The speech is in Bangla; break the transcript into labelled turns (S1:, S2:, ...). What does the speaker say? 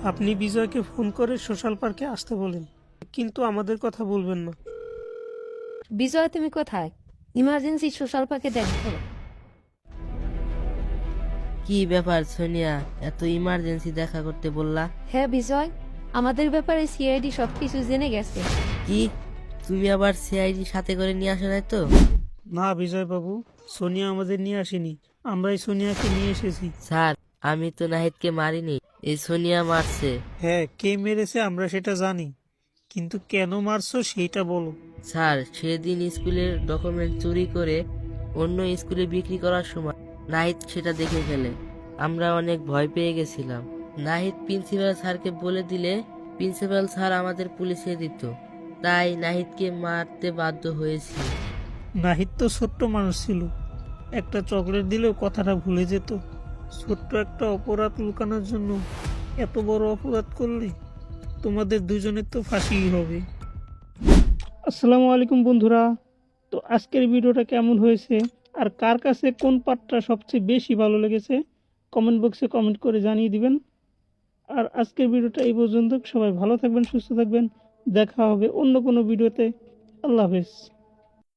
S1: আপনি বিজয়কে ফোন করে সোশ্যাল পার্কে আসতে বলেন, কিন্তু আমাদের কথা বলবেন না।
S2: বিজয়, তুমি কোথায়? ইমার্জেন্সি সোশ্যাল পার্কে দেখা করো।
S3: কি ব্যাপার সোনিয়া, এত ইমার্জেন্সি দেখা করতে বললা?
S2: হ্যাঁ বিজয়, আমাদের ব্যাপারে সিআইডি সবকিছু জেনে গেছে।
S3: কি, তুমি আবার সিআইডি সাথে করে নিয়ে আসো নাই তো?
S1: না বিজয় বাবু, সোনিয়া আমাদের নিয়ে আসেনি, আমরাই সোনিয়াকে নিয়ে এসেছি।
S3: স্যার, আমি তো নাহিদকে মারিনি, এই সোনিয়া মারছে।
S1: হ্যাঁ, কে মেরেছে আমরা সেটা জানি, কিন্তু কেন মারছো সেইটা বলো।
S3: স্যার, সেদিন স্কুলের ডকুমেন্ট চুরি করে অন্য স্কুলে বিক্রি করার সময় নাহিদ সেটা দেখে ফেলে। আমরা অনেক ভয় পেয়ে গেছিলাম। নাহিদ প্রিন্সিপাল স্যারকে বলে দিলে প্রিন্সিপাল স্যার আমাদের পুলিশে দিত, তাই নাহিদকে মারতে বাধ্য হয়েছি।
S1: নাহিদ তো ছোট্ট মানুষ ছিল, একটা চকলেট দিলেও কথাটা ভুলে যেত। ছোট্ট একটা অপরাধ লুকানোর জন্য এত বড় অপরাধ করলে তোমাদের দুজনের তো ফাঁসিই হবে। আসসালামু আলাইকুম বন্ধুরা, তো আজকের ভিডিওটা কেমন হয়েছে আর কার কাছে কোন পার্টটা সবচেয়ে বেশি ভালো লেগেছে কমেন্ট বক্সে কমেন্ট করে জানিয়ে দিবেন। আর আজকের ভিডিওটা এই পর্যন্ত। সবাই ভালো থাকবেন, সুস্থ থাকবেন, দেখা হবে অন্য কোনো ভিডিওতে। আল্লাহ হাফেজ।